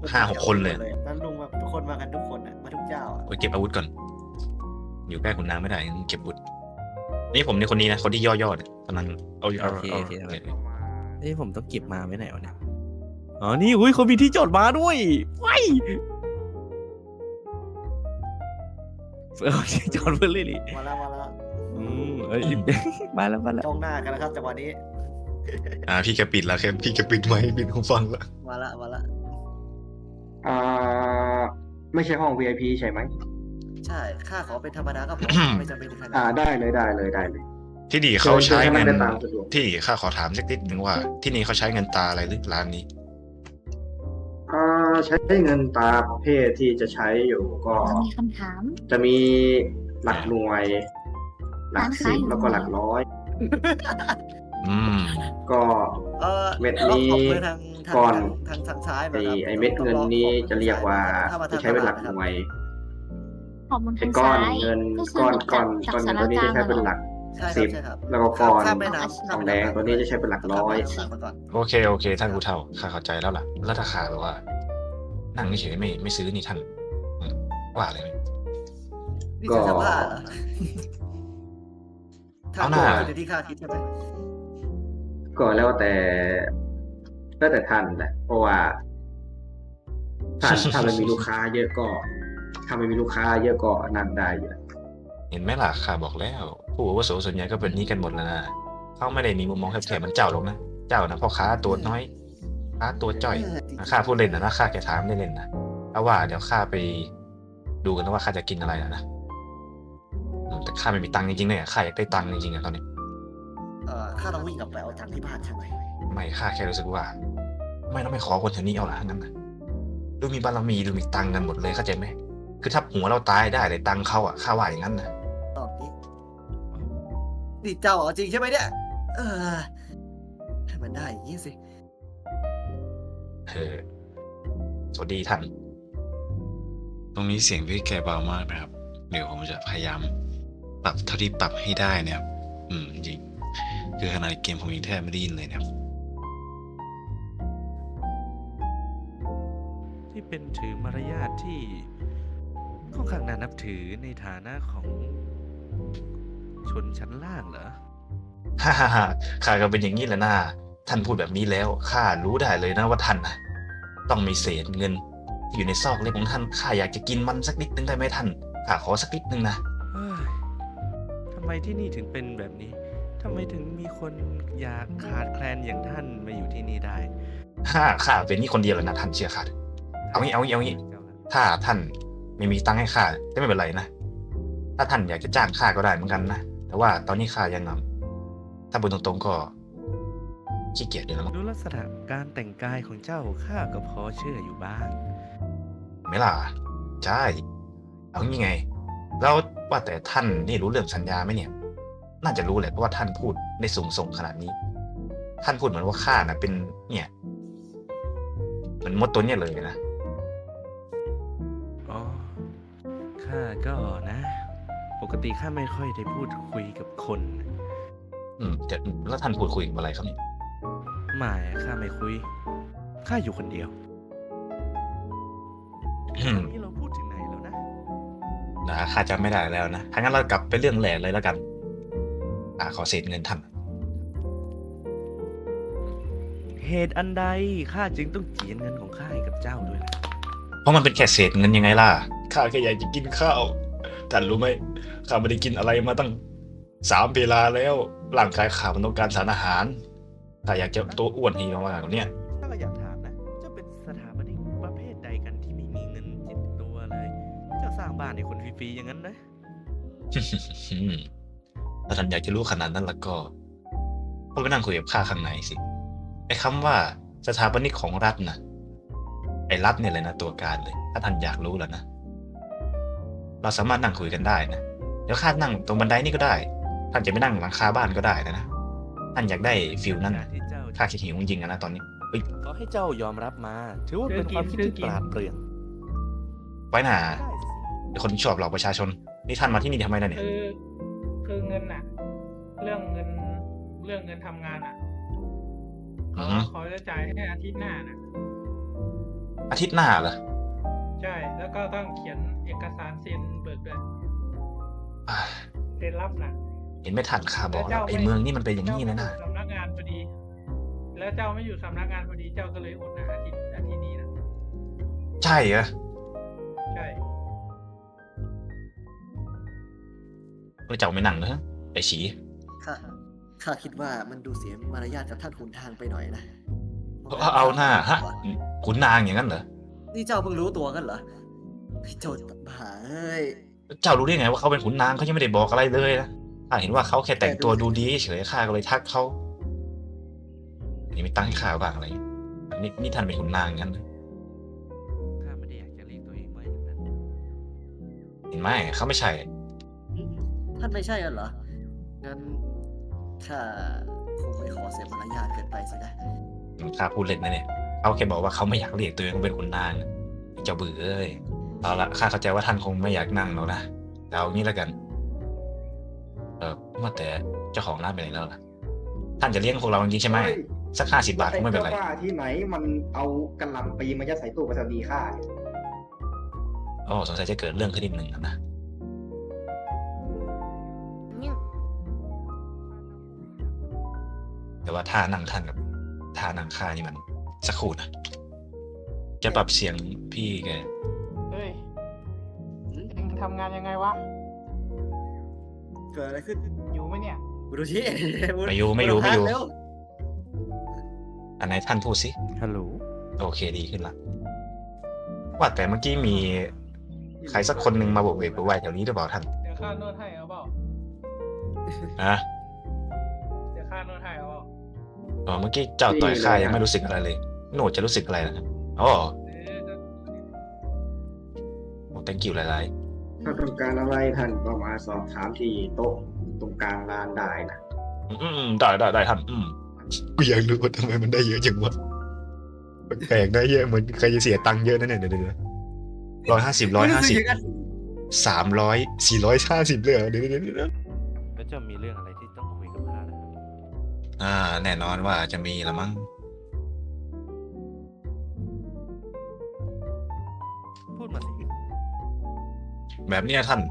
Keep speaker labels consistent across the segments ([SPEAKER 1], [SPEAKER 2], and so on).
[SPEAKER 1] 5-6 คนเลย
[SPEAKER 2] แล้วลุงแบบทุกคนมากันทุกคนอ่ะมาทุกเจ้าอ่ะ
[SPEAKER 1] ไปเก็บอาวุธก่อนอยู่ใกล้ขุนนางไม่ได้เก็บอาวุธนี่ผมในคนนี้นะคนที่ย่อๆเนี่ยกำลังเอา
[SPEAKER 3] โอเคเอ้ยผมต้องเก็บมาไว้ไหนวะเนี่ยอ๋อนี่อุ้ยเขามีที่จอดม้าด้วยไว้ที่จอดเพื่อเลยดิ
[SPEAKER 2] มาแล้ว
[SPEAKER 3] เอ้ย มาแล้ว
[SPEAKER 2] จ้องหน้ากันนะครับจังหวะนี้
[SPEAKER 1] พี่แกปิดแล้วแค่พี่แกปิดไว้ปิดหูฟังแล้ว
[SPEAKER 2] มาละ
[SPEAKER 4] อ่าไม่ใช่ห้อง VIP ใช่ไหม
[SPEAKER 2] ใช่ข้าขอเป็นธรรมดาก็พอไม่จำเป็นถึงขนาด
[SPEAKER 4] ได้เลย
[SPEAKER 1] ที่นี่เขาใช้เงิน
[SPEAKER 4] ได้ตามสะดวก
[SPEAKER 1] ที่ข้าขอถามสักนิดนึงว่า ที่นี่เขาใช้เงินตาอะไรหรือร้านนี้
[SPEAKER 4] ใช้เงินตาประเภทที่จะใช้อยู่ก็
[SPEAKER 5] มีคำถาม
[SPEAKER 4] จะมีหลักหน่วย หลัก
[SPEAKER 5] ร้าน
[SPEAKER 4] สิ
[SPEAKER 5] ค้า
[SPEAKER 4] บ
[SPEAKER 5] อยู่
[SPEAKER 4] แล้วก็หลักร้อย
[SPEAKER 1] อืม
[SPEAKER 4] ก็ เม็ดนี้
[SPEAKER 2] ขอบคุณทาง
[SPEAKER 4] ก่อน
[SPEAKER 2] ทางซ้ายมา
[SPEAKER 4] ไอ้เม็ดเงินนี้จะเรียกว่าจะใช้เป็นหลักหน่วย
[SPEAKER 5] ขอบคุณ
[SPEAKER 4] ไอ้
[SPEAKER 5] ทาง
[SPEAKER 4] ก้อ
[SPEAKER 5] ซ้าน ย
[SPEAKER 4] เงิน
[SPEAKER 5] ก็คือ
[SPEAKER 4] ก้อน
[SPEAKER 5] จาก
[SPEAKER 4] ตัว
[SPEAKER 5] สาร
[SPEAKER 4] นี้
[SPEAKER 5] กลา
[SPEAKER 4] จะ
[SPEAKER 5] ง
[SPEAKER 4] ใช้เป็น
[SPEAKER 5] เห
[SPEAKER 4] ห
[SPEAKER 5] รอ
[SPEAKER 4] ลัก
[SPEAKER 2] ใช่
[SPEAKER 4] สิบ
[SPEAKER 2] ครับ
[SPEAKER 4] แล้วก็ก้อน
[SPEAKER 2] ข้ามแม่น้ำ
[SPEAKER 4] ทองแดงตัวนี้จะใช้เป็นหลักร้อย
[SPEAKER 2] ข้ามแม่น้ำมาก่อน
[SPEAKER 1] โอเคท่านผู้เฒ่าข้าเข้าใจแล้วล่ะแล้วถ้าข้าแบบว่า นั่งเฉยๆไม่ซื้อนี่ท่านว่าอะไรไหม
[SPEAKER 2] นี่คือจะว่าเหรอ
[SPEAKER 1] เอาหน้า
[SPEAKER 2] ทำคือที่ข้าคิดใช่ไหม
[SPEAKER 4] ก็แล้วแต่ท่านแหละเพราะว่าถ้ามันมีลูกค้าเยอะก็ถ้าไม่มีลูกค้าเยอะก็นั่งได้อยู่แล้ว
[SPEAKER 1] เห็นไหมล่ะข้าบอกแล้วผู้อาวุโสส่วนใหญ่ก็เป็นนี้กันหมดแล้วนะเขาไม่ได้มีมุมมองแคบๆเหมันเจ้าหรอกนะเจ้านะพ่อค้าตัวน้อยค้าตัวจ้อยข้าพูดเล่นนะข้าแค่ถามเล่นๆนะเพราะว่าเดี๋ยวข้าไปดูกันนะว่าข้าจะกินอะไรนะแต่ข้าไม่มีตังค์จริงๆเนี่ยข้าอยากได้ตังค์จริงๆอะตอนนี้
[SPEAKER 2] ข้าต้องวิ่งกลับไปเอาตังค์ที่บ้านใช่ไหม
[SPEAKER 1] ไม่ข้าแค่รู้สึกว่า ไม่ขอคนแถวนี้เอาละงั้นนะดูมีบารมีดูมีตังค์กันหมดเลยเข้าใจไหมคือถ้าหัวเราตายได้เลยตังค์เขาอ่ะข้าว่าอย่างนั้นนะ
[SPEAKER 2] ตอบนี้นี่เจ้าเอาจริงใช่ไหมเนี่ยให้มันได้อย่างนี้สิ
[SPEAKER 1] สวัสดีท่านตรงนี้เสียงพี่แกเบามากนะครับเดี๋ยวผมจะพยายามปรับเท่าที่ปรับให้ได้นะครับจริงคือขนาดเกมผมยังแทบไม่ได้ยินเลยนะครับ
[SPEAKER 3] ที่เป็นถือมารยาทที่ค่อนข้างน่านับถือในฐานะของชนชั้นล่างเหรอ
[SPEAKER 1] ฮ่าข้าก็เป็นอย่างนี้แหละนะท่านพูดแบบนี้แล้วข้ารู้ได้เลยนะว่าท่านนะต้องมีเศษเงินที่อยู่ในซอกเล็บของท่านข้าอยากจะกินมันสักนิดนึงได้ไหมท่านข้าขอสักนิดนึงนะ
[SPEAKER 3] เฮ้ยทำไมที่นี่ถึงเป็นแบบนี้ทำไมถึงมีคนอยากขาดแคลนอย่างท่านมาอยู่ที่นี่ได้
[SPEAKER 1] ข้าเป็นนี่คนเดียวเลยนะท่านเชื่อข้าเอางี้ถ้าท่านไม่มีตังค์ให้ข้าก็ไม่เป็นไรนะถ้าท่านอยากจะจ้างข้าก็ได้เหมือนกันนะแต่ว่าตอนนี้ข้ายังถ้าพูดตรงๆก็ขี้เกียจอยู่แล้วมั้ง
[SPEAKER 3] ดูลักษณะการแต่งกายของเจ้าข้าก็พอเชื่ออยู่บ้าง
[SPEAKER 1] ไม่ล่ะใช่เอางี้ไงแล้วว่าแต่ท่านนี่รู้เรื่องสัญญาไหมเนี่ยน่าจะรู้แหละเพราะว่าท่านพูดได้สูงส่งขนาดนี้ ท่านพูดเหมือนว่าข้านะเป็นเนี่ยเหมือนมดตัวเนี่ยเลยนะ
[SPEAKER 3] อ๋อข้าก็นะ ปกติข้าไม่ค่อยได้พูดคุยกับคน
[SPEAKER 1] แต่แล้วท่านพูดคุยกับอะไรครับเนี่ย
[SPEAKER 3] ไม่ข้าไม่คุยข้าอยู่คนเดียวตอนนี้เราพูดถึงไหนแล้วนะ
[SPEAKER 1] ข้าจำไม่ได้แล้วนะถ้างั้นเรากลับไปเรื่องแหลกเลยแล้วกันขอเศษเงินท่าน
[SPEAKER 3] เหตุอันใดข้าจึงต้องเจียนเงินของข้าให้กับเจ้าด้วยล่ะ
[SPEAKER 1] เพราะมันเป็นแค่เศษเงินยังไงล่ะข้าแค่อยากจะกินข้าวท่านรู้ไหมข้าไม่ได้กินอะไรมาตั้ง3 เวลาแล้วร่างกายข้ามันต้องการสารอาหารถ้าอยากจะตัวอ้วนให้มากๆกว่านี้
[SPEAKER 3] ข้าก็อยากถามนะเจ้าเป็นสถาปนิกประเภทใดกันที่ไม่มีเงินจิตตัวเลย เจ้าสร้างบ้านให้คนฟรีๆอย่างนั้นนะ
[SPEAKER 1] ถ้าท่านอยากจะรู้ขนาดนั้นแล้วก็ไปนั่งคุยกับข้าข้างในสิไอ้คำว่าสถาปนิกของรัฐนะไอ้รัฐเนี่ยเลยนะตัวการเลยถ้าท่านอยากรู้แล้วนะเราสามารถนั่งคุยกันได้นะเดี๋ยวข้านั่งตรงบันไดนี่ก็ได้ท่านจะไม่นั่งหลังคาบ้านก็ได้นะท่านอยากได้ฟิลนั้น
[SPEAKER 3] การที่เจ้า
[SPEAKER 1] ข้าคิดหิวจริงๆนะตอนนี้เฮ้ย
[SPEAKER 3] ขอให้เจ้ายอมรับมา ถือว่าเป็นความคิดที่ปราดเปรื่อง
[SPEAKER 1] ไว้หนา
[SPEAKER 3] ได้สิ
[SPEAKER 1] เดี๋ยวคนชอบหลอกประชาชนนี่ท่านมาที่นี่ทำไมล่ะเนี่ย
[SPEAKER 6] คือเงินน่ะ เรื่องเงินทำงานอ่ะเขาจะจ่ายให้อาทิตย์หน้าน่ะ
[SPEAKER 1] อาทิตย์หน้าเหรอ
[SPEAKER 6] ใช่ แล้วก็ต้องเขียนเอกสารเซ็นเบิกด้วย
[SPEAKER 1] อ่า
[SPEAKER 6] เซ็นรับนะ
[SPEAKER 1] เห็นไม่ทันข้าบอกแล้วไอ้เมืองนี่มันเป็นอย่างนี้นะ
[SPEAKER 6] เจ้าไม่อยู่สำนักงานพอดี แล้วเจ้าไม่อยู่สำนักงานพอดีเจ้าก็เลยอดนะอาทิตย์นี้นะ
[SPEAKER 1] ใช่เหรอ
[SPEAKER 6] ใช่
[SPEAKER 1] เจ้าไม่นั่งเหรอไอ้ฉี
[SPEAKER 2] ข้าคิดว่ามันดูเสียมารยาทกับท่านขุนทางไปหน่อยนะ
[SPEAKER 1] เอาหน้าฮะขุนนางอย่างนั้นเหรอ
[SPEAKER 2] นี่เจ้าเพิ่งรู้ตัวกันเหรอไอ้โจรบ้าเอ้ย
[SPEAKER 1] เจ้ารู้ได้ไงว่าเขาเป็นขุนนางเขายังไม่ได้บอกอะไรเลยนะข้าเห็นว่าเขาแค่แต่งตัวดูดีเฉยข้าก็เลยทักเขาอันนี้ไม่ตั้งให้ข้าบ้างอะไรนี่ท่านเป็นขุนนางงั้นเหรอ
[SPEAKER 3] ข้าไม่ได้อยากจะเรียกตัวเองว่าอย่างนั้น
[SPEAKER 1] เห็นไหมเขาไม่ใช่
[SPEAKER 2] ท่านไม่ใช่กันเหรอ งั้นข้าคงไม่ขอเสียมารยาทเกินไปสินะ
[SPEAKER 1] ข้าพูดเล่นนะเนี่ยเขาแค่บอกว่าเขาไม่อยากเรียกตัวเองว่าเป็นขุนนางเจ้าเบื่อเอ้ยเอาละข้าเข้าใจว่าท่านคงไม่อยากนั่งหรอกนะแต่เอางี้แล้วกันว่าแต่เจ้าของร้านไปไหนแล้วล่ะท่านจะเลี้ยงพวกเราจริงๆใช่ไหมสัก50 บาทคงไม่เป็นไร
[SPEAKER 7] อ้จ้าบ้าที่ไหนมันเอากระหล่ำปีมายัดใส่ตู้ไปรษณีย์ข้าเนี่ย
[SPEAKER 1] อ๋อสงสัยจะเกิดเรื่องขึ้นนิดหนึ่งนะแต่ว่าท่านั่งท่านกับท่านั่งข้านี่มันสักครู่นะจะปรับเสียงพี่แก
[SPEAKER 6] เฮ้ยเอ็งทำงานยังไงวะ
[SPEAKER 2] เกิดอะไรขึ้น
[SPEAKER 6] อยู่ไหมเนี่ย
[SPEAKER 2] บุรุษที่
[SPEAKER 1] ไม่อยู่
[SPEAKER 2] เร็ว
[SPEAKER 1] อันไหนท่านพูดสิ
[SPEAKER 3] ฮัลโหล
[SPEAKER 1] โอเคดีขึ้นละว่าแต่เมื่อกี้มีใครสักคนหนึ่งมาโบกเวกโวกวายแถวนี้หรือเปล่าท่าน
[SPEAKER 6] เดี๋ยวข้านวดให้เอาเปล่า
[SPEAKER 1] ฮะ
[SPEAKER 6] เดี๋ยวข้านวดให้เอาเปล่า
[SPEAKER 1] อ๋อเมื่อกี้เจ้าต่อยข้ายังไม่รู้สึกอะไรเลยโหนดจะรู้สึกอะไรนะครับอ๋อ
[SPEAKER 6] ก็
[SPEAKER 1] thank you หลาย
[SPEAKER 4] ถ้าต้องการอะไรท่านก็มาสอบถามที่โต๊ะตรงกลางร้านได้นะ
[SPEAKER 1] ๆได้ท่านกูอยากรู้ว่าทำไมมันได้เยอะจังวะแปลกได้เยอะเหมือนใครจะเสียตังค์เยอะนั่นเนี่ยเดี๋ยว150 300 450เลยเหรอเดี๋ยว
[SPEAKER 3] แล้วเจ้ามีเรื่องอะไรที่ต้องคุยกับข้านะครับ
[SPEAKER 1] แน่นอนว่าจะมีละมั้ง
[SPEAKER 3] พูดมาสิ
[SPEAKER 1] แบบเนี้ยท่าน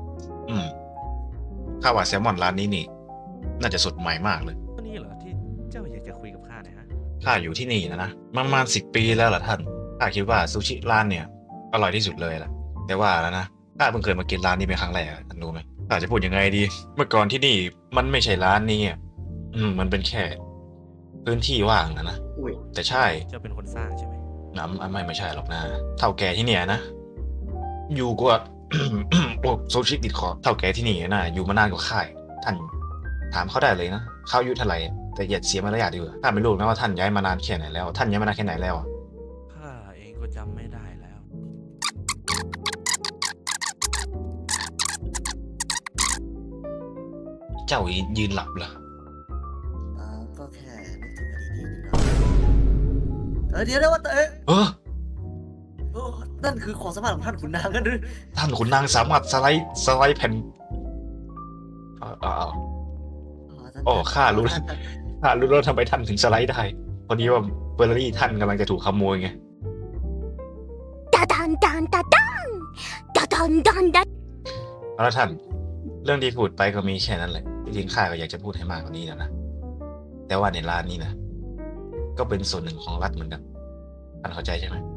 [SPEAKER 1] ข้าว่าแซลมอนร้านนี้นี่ น่าจะสดใหม่มากเลย
[SPEAKER 3] ตัวนี้เหรอที่เจ้าอยากจะคุยกับข้าเนะฮะ
[SPEAKER 1] ข้าอยู่ที่นี่นะประมาณ10 ปีแล้วล่ะท่าน ข้าคิดว่าซูชิร้านเนี่ยอร่อยที่สุดเลยล่ะ แต่ว่าแล้วนะ ข้าเพิ่งเคยมากินร้านนี้เป็นครั้งแรกท่านรู้ไหมข้าจะพูดยังไงดี เมื่อก่อนที่นี่มันไม่ใช่ร้านนี้มันเป็นแค่พื้นที่ว่างนะ
[SPEAKER 4] อุ้ย
[SPEAKER 1] แต่ใช่
[SPEAKER 3] เจ้าเป็นคนสร้างใช่ไหม
[SPEAKER 1] ไม่ใช่หรอกนะ เท่าแก่ที่เนี่ยนะ อยู่กว่า โอ้โซชิติดคอเท่าแก่ที่นี่นะอยู่มานานกว่าข้าอีกท่านถามเขาได้เลยนะเขาอายุเท่าไหร่แต่อย่าเสียมารยาทดีกว่าข้าไม่รู้นะว่าท่านย้ายมานานแค่ไหนแล้ว ท่านย้ายมานานแค่ไหนแล้วอะ
[SPEAKER 3] ข้าเองก็จำไม่ได้แล้ว
[SPEAKER 1] เจ้ายืนหลับเหรอ
[SPEAKER 2] ก็แค่นึกถึงอดีตนิดหน่อยเดี๋ยวว่าแต่
[SPEAKER 1] เออ
[SPEAKER 2] นั่นคือของสมบัติของท่านขุนนางกันหรือ
[SPEAKER 1] ท่านขุนนางสามารถสไลด์แผ่นโอ้ข้ารู้แล้วข้ารู้แล้วทำไมท่านถึงสไลด์ได้พอดีว่าเบอร์รี่ท่านกำลังจะถูกขโมยไง
[SPEAKER 5] ダダンダンダダンダダンダンダン
[SPEAKER 1] เอาละท่าน เรื่องที่พูดไปก็มีแค่นั้นแหละจริงๆข้าก็อยากจะพูดให้มากกว่านี้นะแต่ว่าในร้านนี้นะก็เป็นส่วนหนึ่งของรัฐเหมือนกันท่านเข้าใจใช่ไหม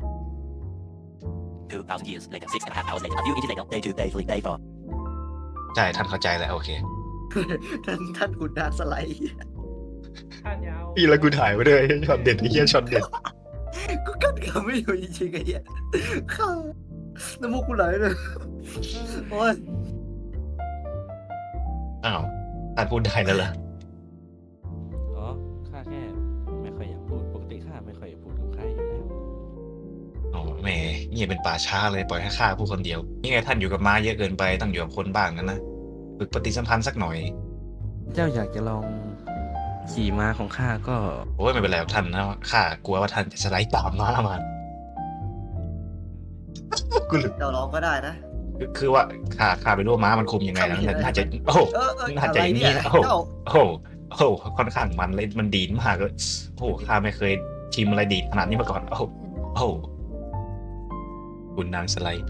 [SPEAKER 8] 2,000 years later, 6.5 hours later, a few inches later, day 2, day 3, day 4.
[SPEAKER 1] ใช่ท่านเข้าใจแล้วโอเค
[SPEAKER 2] ท่านขุนนางสไลด์
[SPEAKER 6] ท่านยาว
[SPEAKER 1] พี่แล้วกูถ่ายไว้ด้วยช็อตเด็ดไอ้เหี้ยช็อตเด็ด
[SPEAKER 2] กูกั้นคำไม่อยู่จริงๆไอ้เหี้ยข้าน้ำมูกกูไหลเลยโอ้ย
[SPEAKER 1] อ้าวท่านพูดได้แล้วเหรอ
[SPEAKER 3] อ๋อ ข้าแค่ไม่ค่อยอยากพูด ปกติข้าไม่ค่อยอยากพูดกับใครอยู่แล้ว
[SPEAKER 1] อ๋อแหมเงียบเป็นป่าช้าเลยปล่อยให้ข้าพูดคนเดียวนี่ไงท่านอยู่กับม้าเยอะเกินไปต้องอยู่กับคนบ้างนะฝึกปฏิสัมพันธ์สักหน่อย
[SPEAKER 3] เจ้าอยากจะลองขี่ม้าของข้าก็
[SPEAKER 1] โอ้ยไม่เป็นไรหรอกท่านนะข้ากลัวว่าท่านจะสไลด์ตามม้ามากูหลุด
[SPEAKER 2] เจ้าร้องก็ได้นะ
[SPEAKER 1] คือว่าข้าไปรู้ว่าม้ามันคุมยังไงแล้วน่าจะโอ้โห น่าจะอย่างนี้นะ
[SPEAKER 2] เจ้า
[SPEAKER 1] โอ้โหค่อนข้างมันเลยมันดีดมากเลยโอ้โหข้าไม่เคยชิมอะไรดีดขนาดนี้มาก่อนโอ้โหคุณนางสไลด์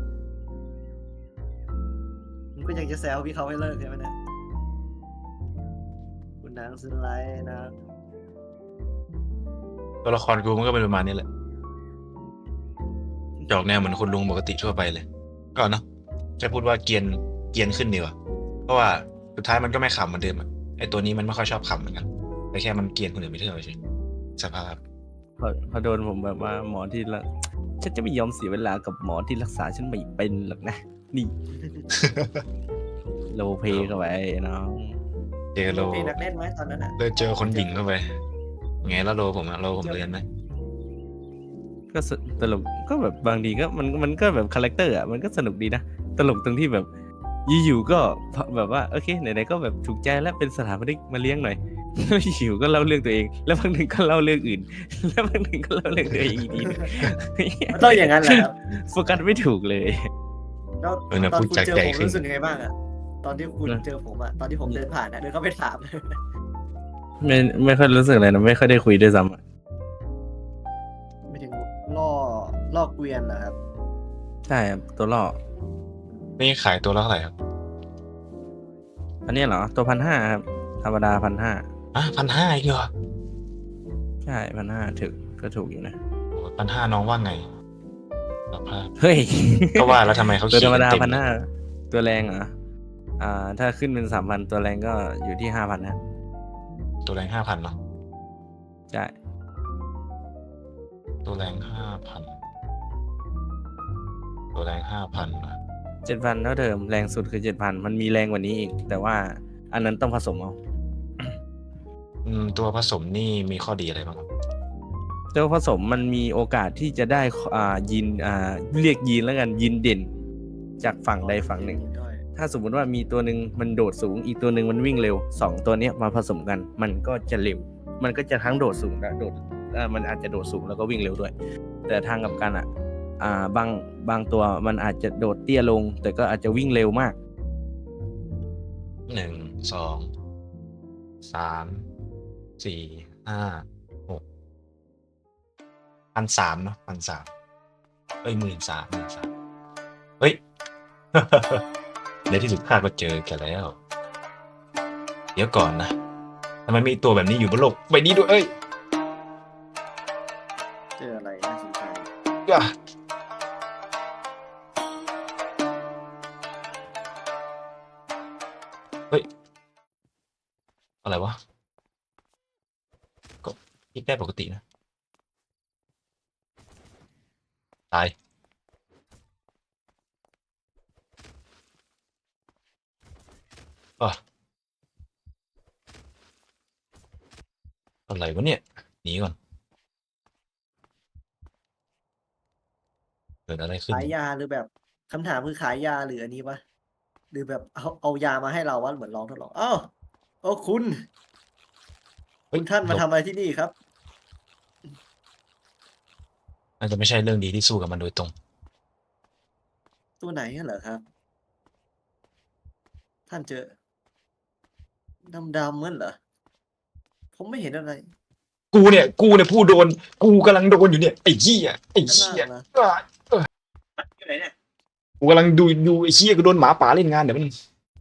[SPEAKER 2] มึงก็ยังจะแซวพี่เขาให้เลิกใช่ไหมเนี่ยคุณนางสไลด์นะ
[SPEAKER 1] ตัวละครกูมันก็เป็นประมาณนี้แหละจะออกแนวเหมือนคนลุงปกติทั่วไปเลยก็เนาะจะพูดว่าเกรียนขึ้นดีกว่าเพราะว่าสุดท้ายมันก็ไม่ขำเหมือนเดิมอะไอตัวนี้มันไม่ค่อยชอบขำเหมือนกันแต่แค่มันเกรียนคนอื่นไม่เท่าเฉยสภาพ
[SPEAKER 3] พอโดนผมแบบว่าหมอที่ละฉันจะไม่ยอมเสียเวลากับหมอที่รักษาฉันไม่เป็นหรอกนะ นี่ โลเพเข้าไปน้อง
[SPEAKER 1] เจอโล
[SPEAKER 2] มีนักเล่นไหมตอนนั้นอ่ะ
[SPEAKER 1] เลยเจอคนหญิงเข้าไปไงแล้วโลผมอะโลผมเรียนไหม
[SPEAKER 3] ก็ตลกก็แบบบางทีก็มันก็แบบคาแรคเตอร์อ่ะมันก็สนุกดีนะตลกตรงที่แบบอยู่ๆก็แบบว่าโอเคไหนๆก็แบบถูกใจแล้วเป็นสถาปนิกมาเลี้ยงหน่อยแล้วอยู่ก็เล่าเรื่องตัวเอง แล้วบางหนึ่งก็เล่าเรื่องอื่น แล้วบางหนึ่งก็เล่าเรื่องตัวเองอีกทีนึง
[SPEAKER 2] มันต้องอย่างนั้นแหละครับ
[SPEAKER 3] โฟกัสไม่ถูกเลย
[SPEAKER 2] แล้ว
[SPEAKER 1] เออนะ
[SPEAKER 2] ตอน
[SPEAKER 1] พูด
[SPEAKER 2] คุณ
[SPEAKER 1] จาก
[SPEAKER 2] เจอ
[SPEAKER 1] ใจ
[SPEAKER 2] ผม
[SPEAKER 1] ขึ้น
[SPEAKER 2] รู้สึกยังไงบ้างอ่ะตอนที่คุณ
[SPEAKER 3] นะ
[SPEAKER 2] เจอผมอ่ะตอนที่ผมเดินผ่านอ่ะเดินเข้าไปถาม
[SPEAKER 3] ไม่ค่อยรู้สึกอะไรนะไม่ค่อยได้คุยด้วยซ้ำอะ
[SPEAKER 2] ไม่ถึงล่อเกวียนเหรอครับ
[SPEAKER 3] ใช่ครับตัวล่อ
[SPEAKER 1] นี่ขายตัวละเท่าไหร่ครับ
[SPEAKER 3] อันนี้เหรอตัว1,500ครับธรรมดา1,500
[SPEAKER 1] อ่ะ1,500อีกเหรอ
[SPEAKER 3] ใช่1,500ถึงก็ถูกอยู่นะ
[SPEAKER 1] 1,500น้องว่าไงสภาพ
[SPEAKER 3] เฮ้ย
[SPEAKER 1] ก็ว่าแล้วทำไมเขา
[SPEAKER 3] ตัว
[SPEAKER 1] เขี
[SPEAKER 3] ธ
[SPEAKER 1] ย
[SPEAKER 3] รรม
[SPEAKER 1] น
[SPEAKER 3] ดา
[SPEAKER 1] เต็ม
[SPEAKER 3] 1,500ตัวแรงเหรอถ้าขึ้นเป็น3,000ตัวแรงก็อยู่ที่5,000นะ
[SPEAKER 1] ตัวแรง5,000เนาะ
[SPEAKER 3] ใช่
[SPEAKER 1] ตัวแรง5,000ตัวแรง5,000นะ
[SPEAKER 3] 7,000เท่าเดิมแรงสุดคือ 7,000 มันมีแรงกว่านี้อีก แต่ว่าอันนั้นต้องผสมเอา
[SPEAKER 1] ตัวผสมนี่มีข้อดีอะไรบ้างครับ
[SPEAKER 3] ตัวผสมมันมีโอกาสที่จะได้ยีนเรียกยีนแล้วกันยีนเด่น จากฝั่งใดฝั่งหนึ่ง ถ้าสมมุติว่ามีตัวหนึ่งมันโดดสูงอีกตัวหนึ่งมันวิ่งเร็ว2ตัวเนี้ยมาผสมกันมันก็จะเร็ว มันก็จะทั้งโดดสูงและมันอาจจะโดดสูงแล้วก็วิ่งเร็วด้วย แต่ทางกับกันบางตัวมันอาจจะโดดเตี้ยลง แต่ก็อาจจะวิ่งเร็วมาก
[SPEAKER 1] 1 2 3 4 5 6 1,300เนาะ1,30013,000เฮ้ย ในที่สุดข้าก็เจอแกแล้ว เดี๋ยวก่อนนะทำไมมีตัวแบบนี้อยู่บนโลกใบนี้ด้วยเอ้ย
[SPEAKER 2] เจออะไรน่าสนใจ
[SPEAKER 1] อ่ะเฮ้ย อะไรวะ ก็คิดได้ปกตินะ ตาย อ่ะอะไรวะเนี่ย หนีก่อน เกิดอะไรขึ้น
[SPEAKER 2] ขายยาหรือแบบคำถามคือขายยาหรืออันนี้วะหรือแบบเอายามาให้เราวะเหมือนลองทดลองอ้าวโอ้คุณ
[SPEAKER 1] เฮ้ย
[SPEAKER 2] คุณท่านมาทำอะไรที่นี่ครับ
[SPEAKER 1] น่าจะไม่ใช่เรื่องดีที่สู้กับมันโดยตรง
[SPEAKER 2] ตัวไหนกันเหรอครับ ท่านเจอดำเหมือนเหรอผมไม่เห็นอะไร
[SPEAKER 1] กูเนี่ยผู้โดน กูกำลังโดนอยู่เนี่ย ไอ้เหี้ยอ่ะ
[SPEAKER 2] อยู่ไหนเนี่ย
[SPEAKER 1] กูกำลังดูไอ้เหี้ยกูโดนหมาป่าเล่นงานเดี๋ยวมัน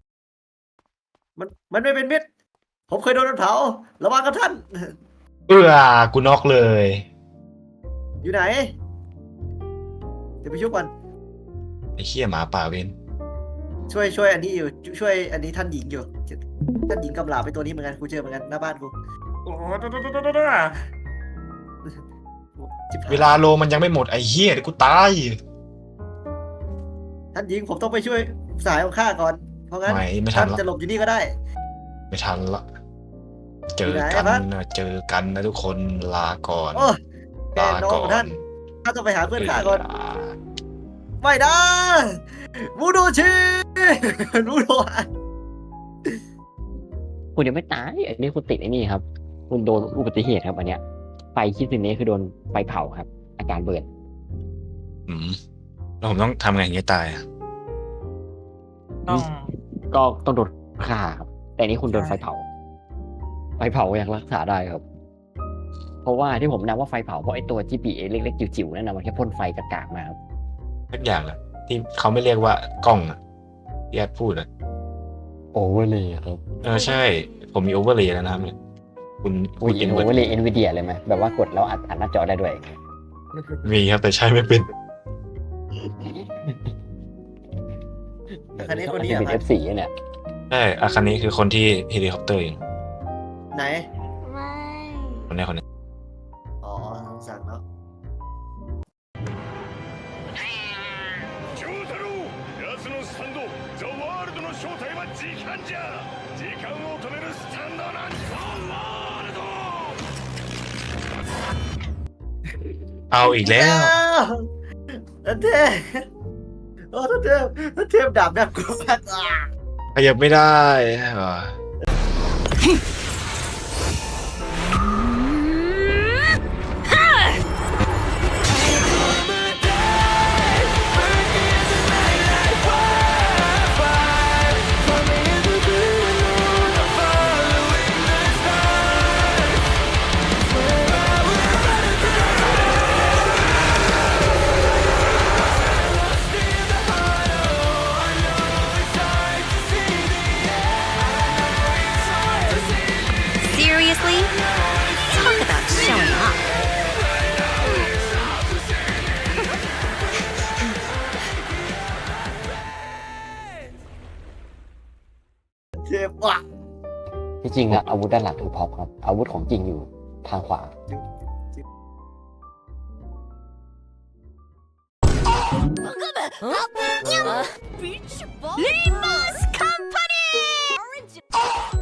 [SPEAKER 2] มันไม่เป็นมิตรผมเคยโดนมันเผาระวังกับท่าน
[SPEAKER 1] กูน็อกเลย
[SPEAKER 2] อยู่ไหน เดี๋ยวไปช่วยก่อน
[SPEAKER 1] ไอ้เหี้ยหมาป่าเวน
[SPEAKER 2] ช่วยอันนี้อยู่ช่วยอันนี้ท่านหญิงอยู่ท่านหญิงกำลาบไปตัวนี้เหมือนกันกูเจอเหมือนกันหน้าบ้านกูโอ้โหจิบหย
[SPEAKER 1] เวลาโลมันยังไม่หมดไอ้เหี้ยเดี๋ยวกูตาย
[SPEAKER 2] ท่านหญิงผมต้องไปช่วยสายของข้าก่อน เพราะงั้น
[SPEAKER 1] ไม่ทั
[SPEAKER 2] ท่าน น
[SPEAKER 1] ละ
[SPEAKER 2] จะหลบอยู่นี่ก็ได้
[SPEAKER 1] ไม่ทันละ เจอ
[SPEAKER 2] อยู่ไหน
[SPEAKER 1] กัน
[SPEAKER 2] วะ
[SPEAKER 1] นะเจอกันนะทุกคนลาก่อน
[SPEAKER 2] โอ้แก
[SPEAKER 1] ลา
[SPEAKER 2] น้อง
[SPEAKER 1] ก่อ
[SPEAKER 2] ของท่าน
[SPEAKER 1] น
[SPEAKER 2] ข้าต้องไปหาเพื่อนข้าก่อน ไม่ได้มูโดชิ มูโดะ
[SPEAKER 9] คุณยังไม่ตายอันนี้คุณติดไอ้นี่ครับ คุณโดนอุบัติเหตุครับอันเนี้ยไฟคิดถึงนี้คือโดนไฟเผาครับ อาการเบิร์น
[SPEAKER 1] แล้วผมต้องทำไงอย่างเงี้ยตายอ่ะ
[SPEAKER 6] ต้อง
[SPEAKER 9] ก็ต้องโดนฆ่าครับ แต่นี่คุณโดนไฟเผา ไฟเผายังรักษาได้ครับ เพราะว่าที่ผมนับว่าไฟเผาเพราะไอ้ตัว GPA เล็กๆจิ๋วๆนั่นนะมันแค่พ่นไฟกากๆมาครับ
[SPEAKER 1] สักอย่างอะที่เขาไม่เรียกว่ากล้องอะที่แอดพูดอะ
[SPEAKER 9] โอเวอร์เลยครับ
[SPEAKER 1] ใช่ ผมมีโอเวอร์เลยแล้วนะครับเนี่ยคุณ
[SPEAKER 9] อุ้ย
[SPEAKER 1] อิน
[SPEAKER 9] โอ
[SPEAKER 1] เวิร์
[SPEAKER 9] เวอร์เลยเอ็นวีเดียเลยไหมแบบว่ากดแล้วอัดหน้าจอได้ด้วย
[SPEAKER 1] มีครับแต่ใช้ไม่เป็น
[SPEAKER 2] คันนี้คนนี้
[SPEAKER 9] ที่
[SPEAKER 2] เหร
[SPEAKER 9] เป็
[SPEAKER 2] อน ครับ
[SPEAKER 9] F4 เนี่ย
[SPEAKER 1] ใช่อาคันนี้คือคนที่เฮลิคอปเตอร์เอง
[SPEAKER 2] ไหน
[SPEAKER 5] ไม่
[SPEAKER 1] คนนี้คนนี้
[SPEAKER 2] อ๋อสั่งเนาะ
[SPEAKER 10] 長太郎奴のスタンドザ・ワールドの正体は時間じゃ時間を止めるスタンドなんザ・ワールド
[SPEAKER 1] เอาอีกแล้ว
[SPEAKER 2] ท่านเทพโอ้ท่านเทพท่านเทพดาบน่ากลัวมากอ่ะ
[SPEAKER 1] ขยับไม่ได้ว่ะ
[SPEAKER 5] Seriously? Talk about showing off.
[SPEAKER 2] เทพว่ะ
[SPEAKER 9] ที่จริงแล้วอาวุธด้านหลังคือพ็อปครับ อาวุธของจริงอยู่ทางขวา
[SPEAKER 5] Limas Company!